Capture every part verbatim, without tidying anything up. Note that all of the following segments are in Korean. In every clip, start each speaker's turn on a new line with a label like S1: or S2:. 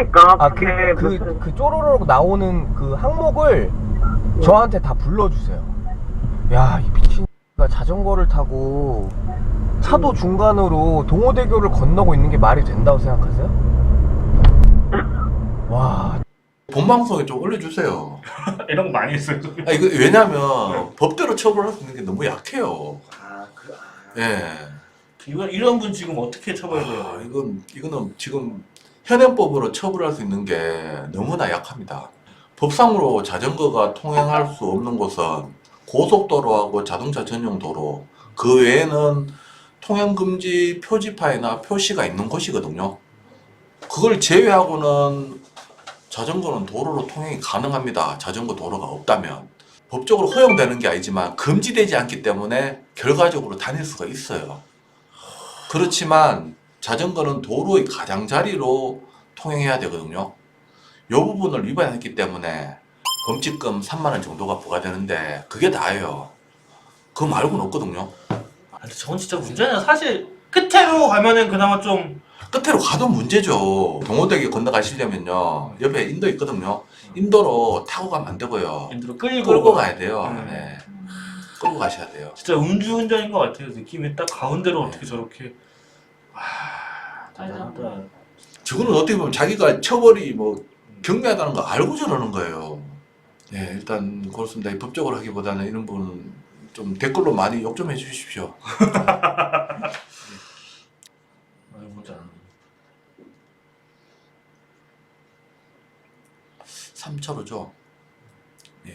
S1: 없으니까.
S2: 아, 그, 그, 그 쪼로록 나오는 그 항목을 저한테 다 불러주세요. 야, 이 미친가 자전거를 타고 차도 중간으로 동호대교를 건너고 있는 게 말이 된다고 생각하세요? 와.
S3: 본방송에 좀 올려주세요.
S4: 이런 거 많이 했어요.
S3: 아, 이거 왜냐면 법대로 처벌할 수 있는 게 너무 약해요.
S4: 아, 그, 아.
S3: 예.
S4: 이런, 이런 분 지금 어떻게 처벌해요?
S3: 아, 이건, 이거는 지금 현행법으로 처벌할 수 있는 게 너무나 약합니다. 법상으로 자전거가 통행할 수 없는 곳은 고속도로하고 자동차 전용 도로, 그 외에는 통행금지 표지판이나 표시가 있는 곳이거든요. 그걸 제외하고는 자전거는 도로로 통행이 가능합니다. 자전거 도로가 없다면. 법적으로 허용되는 게 아니지만 금지되지 않기 때문에 결과적으로 다닐 수가 있어요. 그렇지만 자전거는 도로의 가장자리로 통행해야 되거든요. 이 부분을 위반했기 때문에 범칙금 삼만 원 정도가 부과되는데 그게 다예요. 그거 말고는 없거든요.
S4: 아, 근데 저건 진짜 문제네요. 사실 끝으로 가면은 그나마 좀
S3: 끝으로 가도 문제죠. 동호대교 건너가시려면요. 옆에 인도 있거든요. 인도로 타고 가면 안 되고요.
S4: 인도로 끌고
S3: 끌고 가야 돼요.
S4: 음.
S3: 네. 끌고 가셔야 돼요.
S4: 진짜 음주운전인 것 같아요. 느낌이 딱 가운데로
S3: 네.
S4: 어떻게 저렇게 아, 대단하다.
S3: 저거는 어떻게 보면 자기가 처벌이 뭐 경미하다는 거 알고 저러는 거예요. 네, 일단 그렇습니다. 법적으로 하기보다는 이런 분은 좀 댓글로 많이 욕 좀 해주십시오.
S4: 아유, 뭔지 안
S3: 삼 차로죠. 예.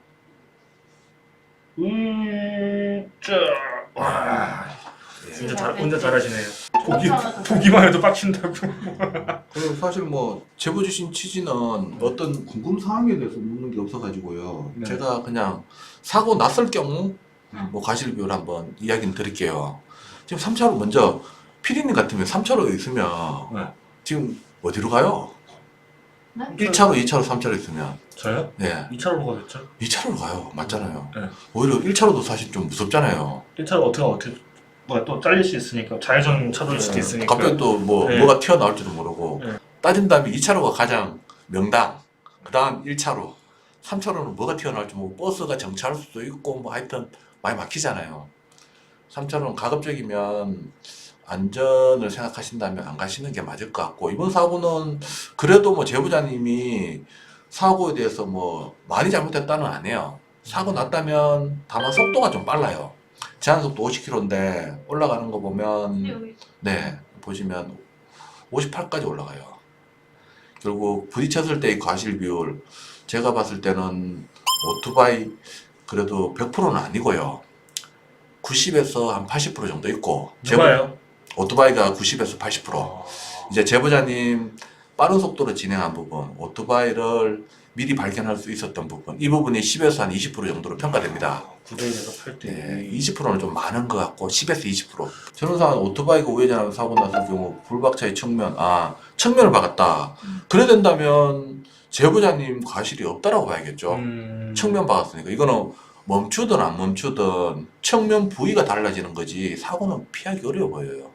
S4: 음짜 와
S3: 예.
S4: 운전 잘 운전 잘하시네요. 보기 보기만 해도 빡친다고.
S3: 그리고 사실 뭐 제보 주신 취지는 어떤 궁금 사항에 대해서 묻는 게 없어가지고요.
S4: 네.
S3: 제가 그냥 사고 났을 경우 뭐 가실비율 한번 이야기는 드릴게요. 지금 삼 차로 먼저 피디님 같으면 삼 차로에 있으면
S4: 네.
S3: 지금 어디로 가요?
S5: 네?
S3: 일 차로, 이 차로, 삼 차로 있으면
S4: 저요?
S3: 네,
S4: 이 차로 가겠죠?
S3: 이 차로로 가요. 맞잖아요.
S4: 네.
S3: 오히려 일 차로도 사실 좀 무섭잖아요.
S4: 일 차로 어떻게 어떻게 뭐가 또 잘릴 수 있으니까 좌회전 차로일 수도 있으니까.
S3: 갑자기 또 뭐
S4: 네.
S3: 뭐가 튀어나올지도 모르고
S4: 네.
S3: 따진다면 이 차로가 가장 명당, 그 다음 일 차로, 삼 차로는 뭐가 튀어나올지 뭐 버스가 정차할 수도 있고 뭐 하여튼 많이 막히잖아요. 삼 차로는 가급적이면 안전을 생각하신다면 안 가시는 게 맞을 것 같고, 이번 사고는 그래도 뭐 제보자님이 사고에 대해서 뭐 많이 잘못했다는 아니에요. 사고 났다면 다만 속도가 좀 빨라요. 제한속도 오십 킬로미터인데 올라가는 거 보면 네 보시면 오십팔까지 올라가요. 결국 부딪혔을 때의 과실 비율, 제가 봤을 때는 오토바이 그래도 백 퍼센트는 아니고요. 구십에서 한 팔십 퍼센트 정도 있고,
S4: 누가요?
S3: 오토바이가 구십에서 팔십 퍼센트.
S4: 어...
S3: 이제 제보자님 빠른 속도로 진행한 부분, 오토바이를 미리 발견할 수 있었던 부분, 이 부분이 십에서 한 이십 퍼센트 정도로 평가됩니다.
S4: 구 대에서 팔 대.
S3: 네, 이십 퍼센트는 좀 많은 것 같고 십에서 이십 퍼센트. 전후상 오토바이가 우회전하는 사고 났을 경우 불박차의 측면, 아 측면을 박았다. 그래 된다면 제보자님 과실이 없다라고 봐야겠죠.
S4: 음...
S3: 측면 박았으니까 이거는 멈추든 안 멈추든 측면 부위가 달라지는 거지 사고는 피하기 어려워 보여요.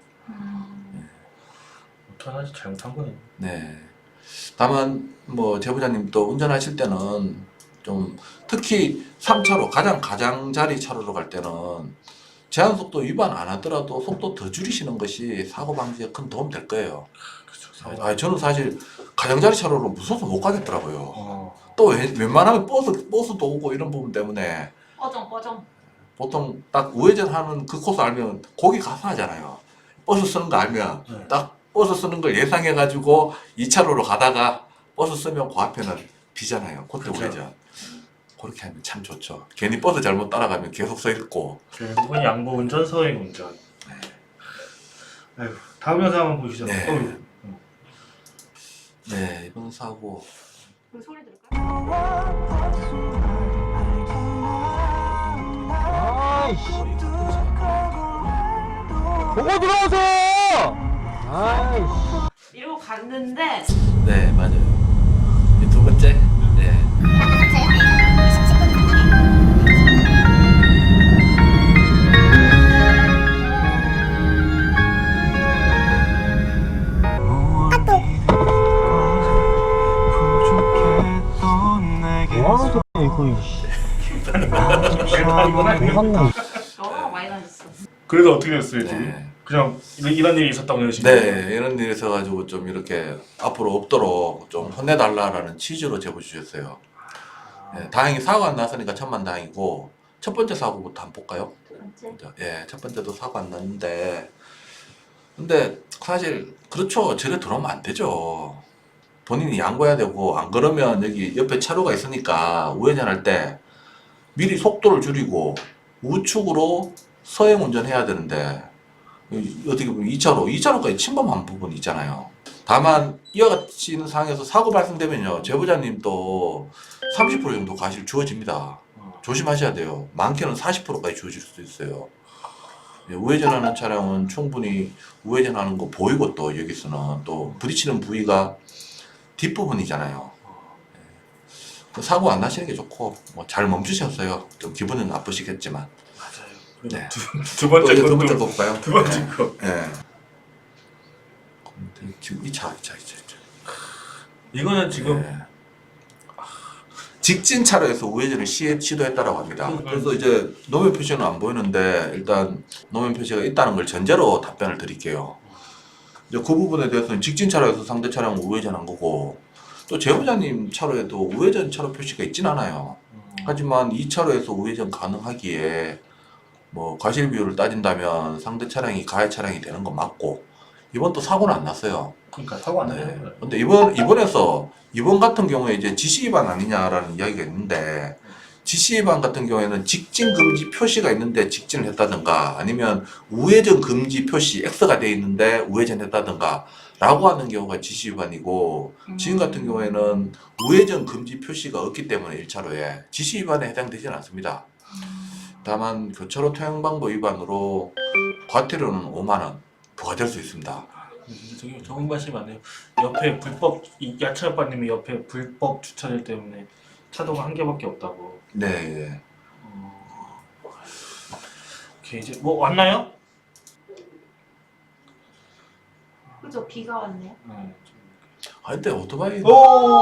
S4: 어떡하지 잘못한 거네.
S3: 네. 다만 뭐 제보자님도 운전하실 때는 좀 특히 삼 차로 가장 가장자리 차로로 갈 때는 제한속도 위반 안 하더라도 속도 더 줄이시는 것이 사고 방지에 큰 도움 될 거예요.
S4: 그렇죠.
S3: 아, 저는 사실 가장자리 차로로 무서워서 못 가겠더라고요.
S4: 어...
S3: 또 웬- 웬만하면 버스 버스도 오고 이런 부분 때문에
S5: 꺼정 꺼정.
S3: 보통 딱 우회전하는 그 코스 알면 거기 가서 하잖아요. 버스 쓰는 거 알면
S4: 네.
S3: 딱 버스 쓰는 걸 예상해가지고 이 차로로 가다가 버스 쓰면 그 앞에는 비잖아요. 그때
S4: 그렇죠.
S3: 우회전. 그렇게 하면 참 좋죠. 괜히 버스 잘못 따라가면 계속 서 있고.
S4: 결국은 양보 운전서의 운전. 아유, 다음 영상 한번 보시죠.
S3: 네.
S4: 어휴.
S3: 네, 이번 사고.
S5: 그 소리 들을까요?
S2: 아이씨. 보고 들어오세요! 아이씨.
S5: 이러고 갔는데
S3: 네, 맞아요. 이 두 번째. 네.
S4: 아, 이건 아니에요.
S2: 한국.
S5: 너무 많이 다녔어.
S4: 그래서 어떻게 됐어요 지금?
S3: 네.
S4: 그냥 이런, 이런 일이 있었다고 해주시면
S3: 네, 이런 일이 있어가지고 좀 이렇게 앞으로 없도록 좀 혼내달라라는 취지로 제보 주셨어요. 네, 다행히 사고 안 났으니까 천만 다행이고 첫 번째 사고부터 한번 볼까요?
S5: 두 번째.
S3: 예, 첫 번째도 사고 안 났는데 근데 사실 그렇죠. 저래 들어오면 안 되죠. 본인이 양보해야 되고 안 그러면 여기 옆에 차로가 있으니까 우회전할 때 미리 속도를 줄이고 우측으로 서행 운전해야 되는데 어떻게 보면 이 차로, 이 차로까지 침범한 부분이 있잖아요. 다만 이와 같이 있는 상황에서 사고 발생되면요 제보자님도 삼십 퍼센트 정도 과실 주어집니다. 조심하셔야 돼요. 많게는 사십 퍼센트까지 주어질 수도 있어요. 예, 우회전하는 차량은 충분히 우회전하는 거 보이고 또 여기서는 또 부딪히는 부위가 뒷부분이잖아요. 예. 사고 안 나시는 게 좋고 뭐 잘 멈추셨어요. 좀 기분은 나쁘시겠지만.
S4: 맞아요.
S3: 네.
S4: 두, 두 번째
S3: 또 두
S4: 것도-
S3: 번째 거 볼까요?
S4: 두 번째 거.
S3: 예. 지금 이 차, 이 차, 이 차, 이 차.
S4: 이거는 지금
S3: 예. 직진 차로에서 우회전을 시, 시도했다라고 합니다.
S4: 음.
S3: 그래서 이제 노면 표시는 안 보이는데 일단 노면 표시가 있다는 걸 전제로 답변을 드릴게요. 이제 그 부분에 대해서는 직진 차로에서 상대 차량을 우회전한 거고 또 제보자님 차로에도 우회전 차로 표시가 있진 않아요. 하지만 이 차로에서 우회전 가능하기에 뭐 과실 비율을 따진다면 상대 차량이 가해 차량이 되는 건 맞고 이번 또 사고는 안 났어요.
S4: 그러니까 사고 안
S3: 네.
S4: 나는 거예요.
S3: 근데 이번 이번에서 이번 같은 경우에 이제 지시 위반 아니냐라는 이야기가 있는데 지시 위반 같은 경우에는 직진 금지 표시가 있는데 직진을 했다든가 아니면 우회전 금지 표시 X가 돼 있는데 우회전했다든가 라고 하는 경우가 지시 위반이고 지금 같은 경우에는 우회전 금지 표시가 없기 때문에 일 차로에 지시 위반에 해당되지는 않습니다. 다만 교차로 통행방법 위반으로 과태료는 오만 원 부과될 수 있습니다.
S4: 진짜 저기 좋은 말씀이 많네요. 옆에 불법 이 야채 아빠님이 옆에 불법 주차될 때문에 차도가 한 개밖에 없다고.
S3: 네. 예.
S4: 어... 오케이 이제 뭐 왔나요?
S5: 그죠? 비가 왔네요.
S4: 네.
S3: 아 근데 오토바이
S4: 오.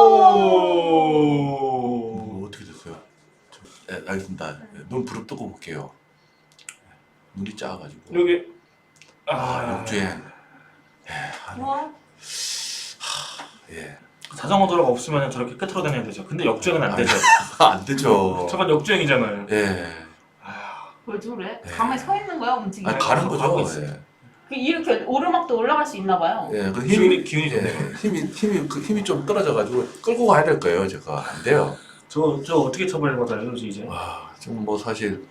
S3: 뭐 어떻게 됐어요? 좀, 네, 알겠습니다. 눈 부릅뜨고 볼게요. 눈이 작아가지고.
S4: 여기
S3: 아,
S4: 아
S3: 역주행. 예,
S5: 우와.
S3: 예.
S4: 자전거 도로가 없으면 저렇게 끝으로 다녀야 되죠. 근데 역주행은 안 되죠.
S3: 안 되죠.
S4: 저건 역주행이잖아요.
S3: 예.
S4: 아,
S5: 왜 저래?
S3: 네.
S5: 가만히 서 있는 거야? 움직이?
S3: 아, 가는
S4: 가고
S3: 거죠.
S4: 있어요.
S3: 예.
S5: 그 이렇게 오르막도 올라갈 수 있나 봐요.
S3: 예. 그
S4: 기운이
S3: 힘이
S4: 기운이 좋네요.
S3: 예, 힘이 힘이 그 힘이 좀 떨어져가지고 끌고 가야 될 거예요. 제가 안 돼요.
S4: 저, 저 어떻게 처벌받아요, 이제?
S3: 와, 좀 뭐 사실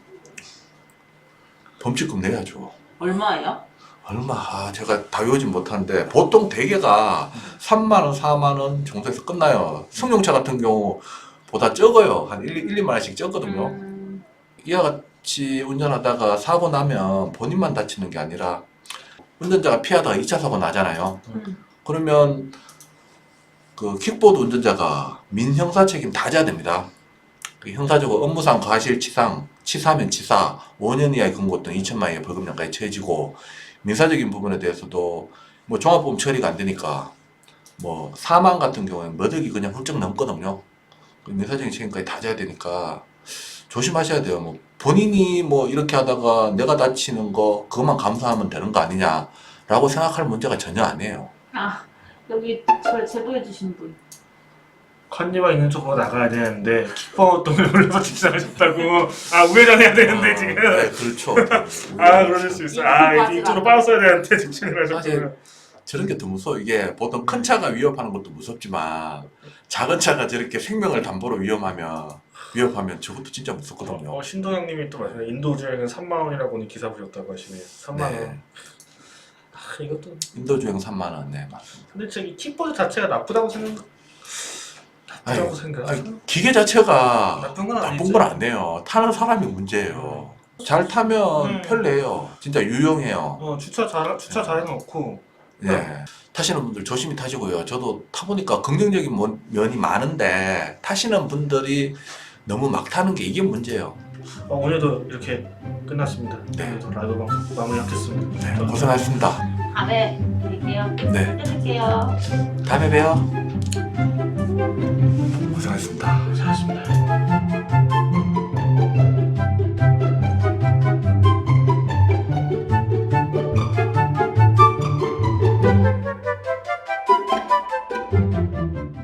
S3: 범칙금 내야죠.
S5: 얼마예요?
S3: 얼마? 아, 제가 다 외우진 못하는데 보통 대개가 삼만 원, 사만 원 정도에서 끝나요. 승용차 같은 경우보다 적어요. 한 일, 이만 원씩 적거든요.
S5: 음,
S3: 이와 같이 운전하다가 사고 나면 본인만 다치는 게 아니라 운전자가 피하다가 이 차 사고 나잖아요.
S5: 음.
S3: 그러면 그 킥보드 운전자가 민형사 책임 다 져야 됩니다. 그 형사적으로 업무상 과실치상, 치사면 치사, 오 년 이하의 금고 또는 이천만 원의 벌금형까지 처해지고 민사적인 부분에 대해서도 뭐 종합보험 처리가 안 되니까 뭐 사망 같은 경우에는 몇 억이 그냥 훌쩍 넘거든요. 그 민사적인 책임까지 다 져야 되니까 조심하셔야 돼요. 뭐 본인이 뭐 이렇게 하다가 내가 다치는 거 그것만 감수하면 되는 거 아니냐라고 생각할 문제가 전혀 아니에요.
S5: 아, 여기 저 제보해주신 분.
S4: 컨디가 있는 쪽으로 나가야 되는데 킥보드에 올려서 직진하셨다고. 아 우회전해야 되는데
S3: 아,
S4: 지금.
S3: 네, 그렇죠.
S4: 아 그러실 수 있어. 아 이제 이쪽으로 빠졌어야 되는데 직진을 하셨구나.
S3: 사실 저런 게 더 무서워. 이게 보통 큰 차가 위협하는 것도 무섭지만 작은 차가 저렇게 생명을 담보로 위험하면 위협하면 저것도 진짜 무섭거든요.
S4: 어, 신동영님이 또 말해요. 인도 주행은 삼만 원이라고 오늘 기사 보셨다고 하시네요. 삼만 원.
S3: 네.
S4: 아 이것도.
S3: 인도 주행 삼만 원. 네, 맞습니다.
S4: 근데 저기 킥보드 자체가 나쁘다고 생각. 나쁘다고
S3: 아니,
S4: 생각.
S3: 아니, 기계 자체가
S4: 나쁜 건
S3: 나쁜
S4: 아니지.
S3: 건 아니에요. 타는 사람이 문제예요. 잘 타면
S4: 음.
S3: 편리해요. 진짜 유용해요.
S4: 어 주차 잘 주차 잘 해놓고.
S3: 예. 타시는 분들 조심히 타시고요. 저도 타보니까 긍정적인 mon- 면이 많은데 타시는 분들이 너무 막 타는 게 이게 문제예요.
S4: 어, 오늘도 이렇게 끝났습니다.
S3: 네.
S4: 오늘도 라이브 방송 마무리하겠습니다.
S3: 네, 고생하셨습니다.
S5: 다음에 뵐게요.
S3: 네,
S5: 끊을게요.
S3: 다음에 봬요. 고생하셨습니다.
S4: 고생하셨습니다.